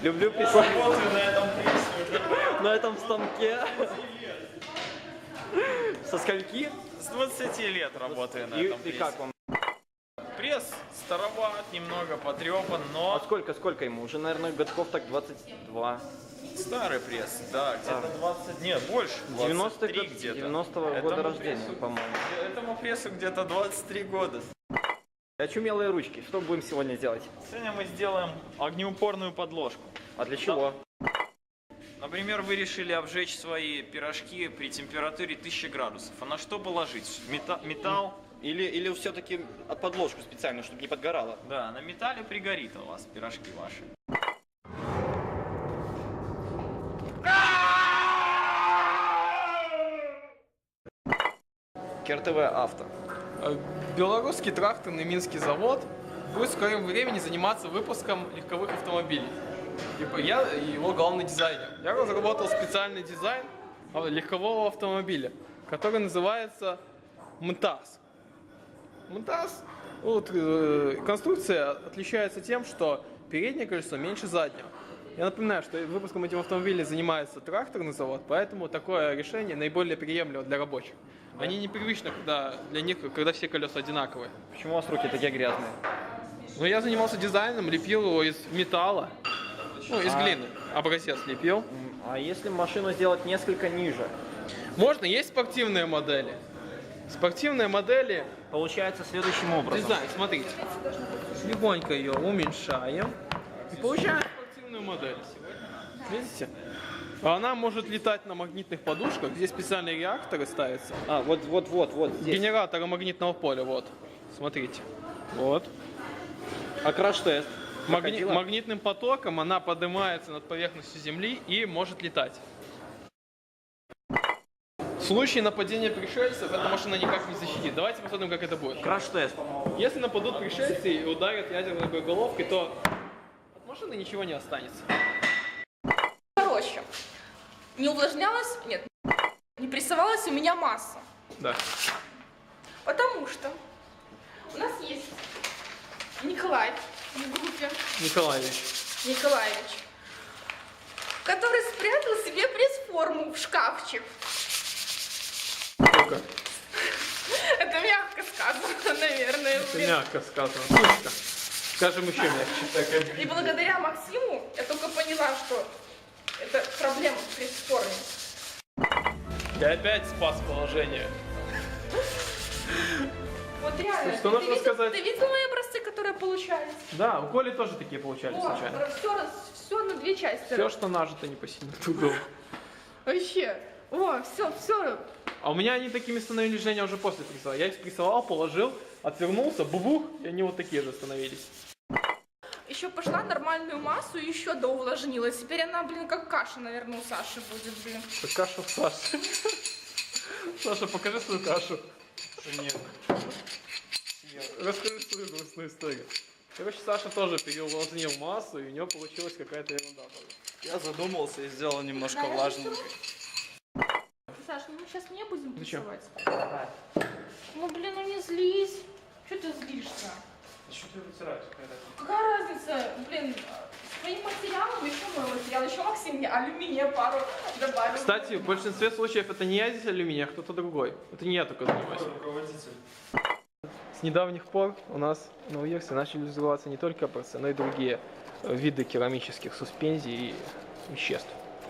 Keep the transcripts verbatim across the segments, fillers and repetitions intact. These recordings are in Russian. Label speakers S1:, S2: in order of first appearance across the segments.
S1: Люблю писать.
S2: Работаю на этом прессе.
S1: На этом станке. Со скольки?
S2: С двадцати лет работаю на
S1: И,
S2: этом
S1: и
S2: прессе.
S1: как вам?
S2: Пресс староват, немного потрепан,
S1: А
S2: но
S1: сколько, сколько ему? Уже, наверное, годков так двадцать два.
S2: старый пресс, да, где-то
S1: А.
S2: двадцать, нет, больше,
S1: девяностых
S2: двадцать три где-то.
S1: девяностого
S2: Этому
S1: года рождения,
S2: прессу-
S1: по-моему.
S2: Этому прессу где-то двадцать три года.
S1: Очумелые ручки. Что будем сегодня делать?
S2: Сегодня мы сделаем огнеупорную подложку.
S1: А для чего?
S2: Например, вы решили обжечь свои пирожки при температуре тысячи градусов. А на что положить? Мета- металл?
S1: Или, или все-таки подложку специально, чтобы не подгорало?
S2: Да, на металле пригорит у вас пирожки ваши.
S1: КРТВ Авто.
S3: Белорусский тракторный Минский завод будет в скором времени заниматься выпуском легковых автомобилей. Типа я его главный дизайнер. Я разработал специальный дизайн легкового автомобиля, который называется МТАС. МТАС, вот, э, конструкция отличается тем, что переднее колесо меньше заднего. Я напоминаю, что выпуском этих автомобилей занимается тракторный завод, поэтому такое решение наиболее приемлемо для рабочих. Они непривычны, когда для них, когда все колеса одинаковые.
S1: Почему у вас руки такие грязные?
S3: Но я занимался дизайном, лепил его из металла, ну, из
S1: А-
S3: глины. Образец лепил.
S1: М, А если машину сделать несколько ниже?
S3: Можно, есть спортивные модели. Спортивные модели,
S1: Получается следующим образом.
S3: дизайн, смотрите. Легонько ее уменьшаем и получаем спортивную модель. Видите? Она может летать на магнитных подушках, здесь специальные реакторы ставятся.
S1: А, вот, вот, вот, вот здесь.
S3: Генераторы магнитного поля, вот. Смотрите. Вот.
S1: А краш-тест?
S3: Магни-
S1: Проходила?
S3: магнитным потоком она поднимается над поверхностью Земли и может летать. В случае нападения пришельцев эта машина никак не защитит. Давайте посмотрим, как это будет.
S1: Краш-тест.
S3: Если нападут пришельцы и ударят ядерной боеголовкой, то от машины ничего не останется.
S4: Короче, не увлажнялась, нет, не прессовалась у меня масса.
S3: Да.
S4: Потому что у нас есть Николай в группе,
S3: Николаевич.
S4: Николаевич, который спрятал себе пресс-форму в шкафчик.
S3: Сколько?
S4: Это мягко сказано, наверное.
S3: Это мягко сказано. Слушай-ка. Скажем еще мягче.
S4: И благодаря Максиму я только поняла, что это проблема в пресс-форме.
S3: Я опять спас положение.
S4: Вот реально.
S3: Что
S4: ты
S3: нужно
S4: видел,
S3: сказать?
S4: Ты видел мои образцы, которые получались?
S3: Да, у Коли тоже такие получались
S4: Вот,
S3: случайно.
S4: все, все на две части.
S3: Все, что нажито, не посинет угол.
S4: Вообще. О, все, все.
S3: А у меня они такими становились, Женя, уже после прессовал. Я их спрессовал, положил, отвернулся, бубух, и они вот такие же становились.
S4: Еще пошла нормальную массу и еще доувлажнилась. Теперь она, блин, как каша, наверное, у Саши будет, блин.
S3: Это каша в Саше. Саша, покажи свою кашу.
S2: Нет.
S3: Расскажи свою грустную историю. Короче, Саша тоже переувлажнил массу, и у него получилась какая-то ерунда.
S2: Я задумался и сделал немножко
S4: Да,
S2: влажненько.
S4: Саш, ну мы сейчас не будем
S3: Зачем?
S4: прессовать. Ну, блин, ну не злись. Че ты злишься?
S3: Что ты вытираешь?
S4: Какая разница? Блин, с твоим материалом еще мой материал. Еще Максим мне алюминия пару добавил.
S3: Кстати, в большинстве случаев это не я здесь алюминий, а кто-то другой. Это не я только занимаюсь.
S2: Руководитель.
S3: С недавних пор у нас на УЕРСе начали развиваться не только образцы, но и другие э, виды керамических суспензий и веществ.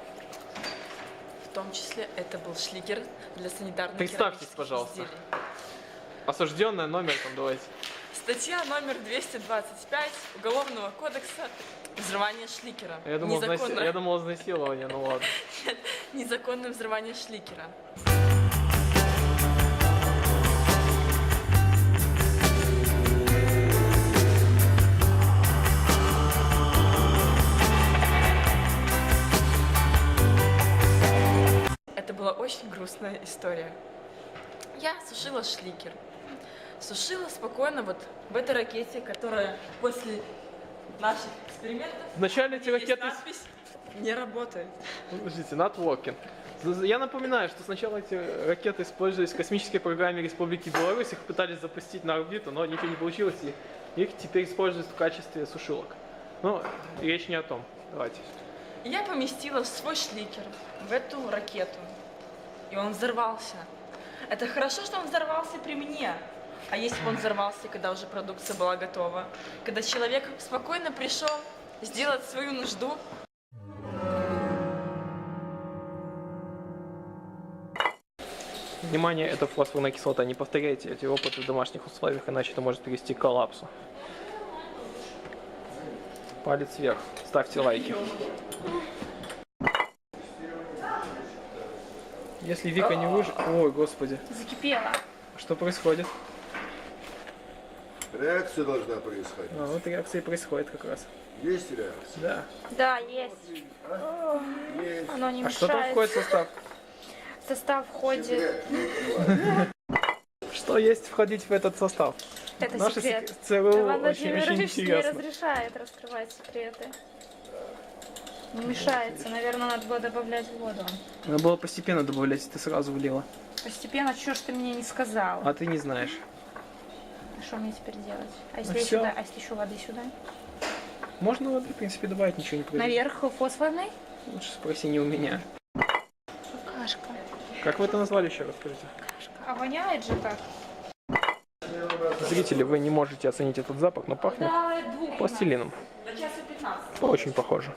S5: В том числе это был шликер для санитарных
S3: Представьтесь,
S5: керамических
S3: пожалуйста.
S5: изделий.
S3: Осужденная номер там давайте.
S5: Статья номер двести двадцать пять Уголовного кодекса «Взрывание шликера».
S3: Я думал,
S5: Незаконно-
S3: изнаси- я думал изнасилование, ну ладно.
S5: Незаконное взрывание шликера. Это была очень грустная история. Я сушила шликер. Сушила спокойно вот в этой ракете, которая после наших экспериментов...
S3: Вначале эти
S5: есть
S3: ракеты...
S5: надпись «Не работает».
S3: Подождите, not working. Я напоминаю, что сначала эти ракеты использовались в космической программе Республики Беларусь, их пытались запустить на орбиту, но ничего не получилось, и их теперь используют в качестве сушилок. Но речь не о том. Давайте.
S5: Я поместила в свой шликер, в эту ракету. И он взорвался. Это хорошо, что он взорвался при мне. А если бы он взорвался, когда уже продукция была готова? Когда человек спокойно пришел сделать свою нужду.
S3: Внимание, это фосфорная кислота. Не повторяйте эти опыты в домашних условиях, иначе это может привести к коллапсу. Палец вверх. Ставьте лайки. Если Вика не выживет... Ой, господи.
S4: Закипела.
S3: Что происходит?
S6: Реакция должна происходить.
S3: А, вот реакция и происходит как раз.
S6: Есть реакция?
S3: Да.
S4: Да, есть.
S6: Есть.
S4: Оно не
S3: А что там
S4: мешает.
S3: входит в состав?
S4: В состав входит...
S3: Что есть входить в этот состав?
S4: Это
S3: Наше
S4: секрет.
S3: сек- ЦРУ
S4: Иван
S3: очень, очень
S4: Владимирович не
S3: интересно.
S4: разрешает раскрывать секреты. Не мешается. Наверное, надо было добавлять воду.
S3: Надо было постепенно добавлять, ты сразу влила.
S4: Постепенно, что ж ты мне не сказал?
S3: А ты не знаешь.
S4: А что мне теперь делать? А если,
S3: Ну
S4: я
S3: всё.
S4: сюда, а если еще воды сюда?
S3: Можно воды, в принципе, добавить, ничего не произойдет.
S4: Наверх фосфорный?
S3: Лучше спроси не у меня.
S4: Кашка.
S3: Как вы это назвали еще, расскажите?
S4: А воняет же так.
S3: Зрители, вы не можете оценить этот запах, но пахнет
S4: Да, двух.
S3: пластилином.
S5: До часа пятнадцать.
S3: Очень похоже.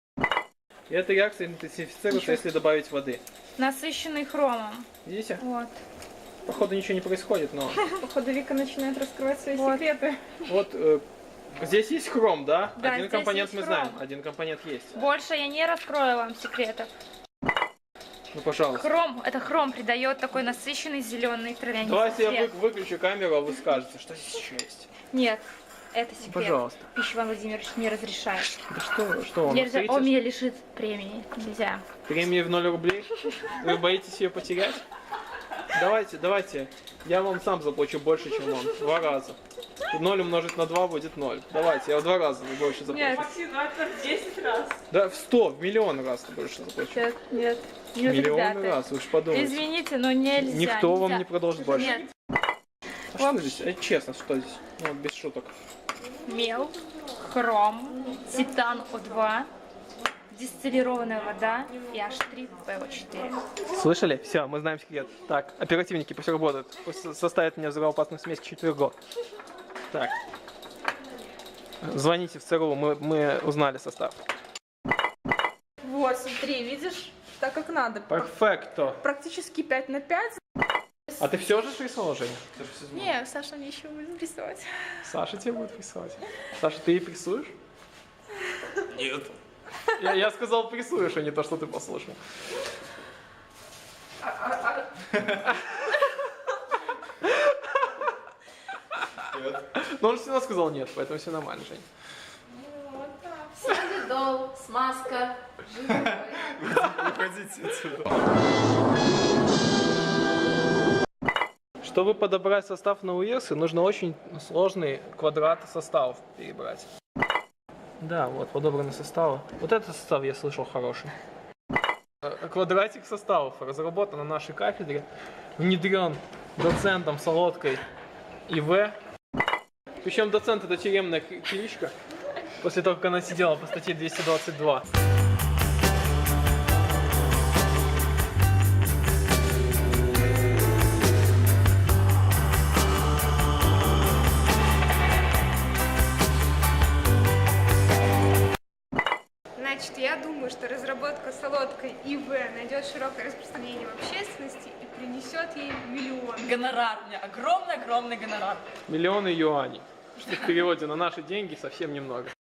S3: И эта реакция интенсифицируется, если добавить воды.
S4: Насыщенный хромом.
S3: Видите?
S4: Вот.
S3: Походу ничего не происходит, но...
S4: Походу Вика начинает раскрывать свои
S3: Вот.
S4: секреты.
S3: Вот э, здесь есть хром, да?
S4: Да,
S3: Один
S4: здесь
S3: компонент
S4: есть
S3: мы
S4: хром.
S3: знаем, один компонент есть.
S4: Больше я не раскрою вам секретов.
S3: Ну, пожалуйста.
S4: Хром, это хром придает такой насыщенный зеленый травянистый
S3: Давайте я вы-
S4: цвет.
S3: выключу камеру, а вы скажете, что здесь еще есть.
S4: Нет, это секрет.
S3: Пожалуйста.
S4: Пища Иван Владимирович не разрешает.
S3: Да что, что вам
S4: Нельзя,
S3: стоите?
S4: он меня лишит премии. Нельзя.
S3: Премии в ноль рублей? Вы боитесь ее потерять? Давайте, давайте. Я вам сам заплачу больше, чем он. Два раза. ноль умножить на два будет ноль. Давайте, я в два раза больше заплачу.
S4: Нет.
S5: Максиматор десять раз.
S3: Да, в сто, в миллион раз больше заплачу.
S4: Нет, нет. Нет,
S3: Миллион
S4: ребята.
S3: раз, вы же подумайте.
S4: Извините, но нельзя.
S3: Никто вам
S4: нельзя.
S3: не предложит больше.
S4: Нет.
S3: А что здесь? А честно, что здесь? Ну, вот без шуток.
S4: Мел, хром, титан О два, дистиллированная вода и H три P O четыре.
S3: Слышали? Все, мы знаем секрет. Так, оперативники, пусть работают. Пусть составят мне взрывоопасную смесь к четвергу. Так. Звоните в ЦРУ, мы, мы узнали состав.
S4: Вот, смотри, видишь? Так как надо.
S3: Перфекто.
S4: Практически пять на пять.
S3: А ты все же рисовал, Женя? Ты же всё знала.
S4: Не, Саша мне еще будет рисовать.
S3: Саша тебе будет рисовать. Саша, ты и рисуешь?
S2: Нет.
S3: Я, я сказал, рисуешь, а не то, что ты послушал. Но он все равно сказал нет, поэтому все нормально, Жень.
S5: Солидол, смазка.
S2: Уходите отсюда.
S3: Чтобы подобрать состав на УИРСы, нужно очень сложный квадрат составов перебрать. Да, вот подобраны составы. Вот этот состав я слышал хороший. Э, Квадратик составов разработан на нашей кафедре, внедрен доцентом Солодкой И В. Причем доцент это тюремная к- кличка, после того, как она сидела по статье двести двадцать два.
S7: Значит, я думаю, что разработка солодкой И В найдет широкое распространение в общественности и принесет ей миллион.
S5: Гонорар. У меня огромный-огромный гонорар.
S3: Миллионы юаней. Что в переводе на наши деньги совсем немного.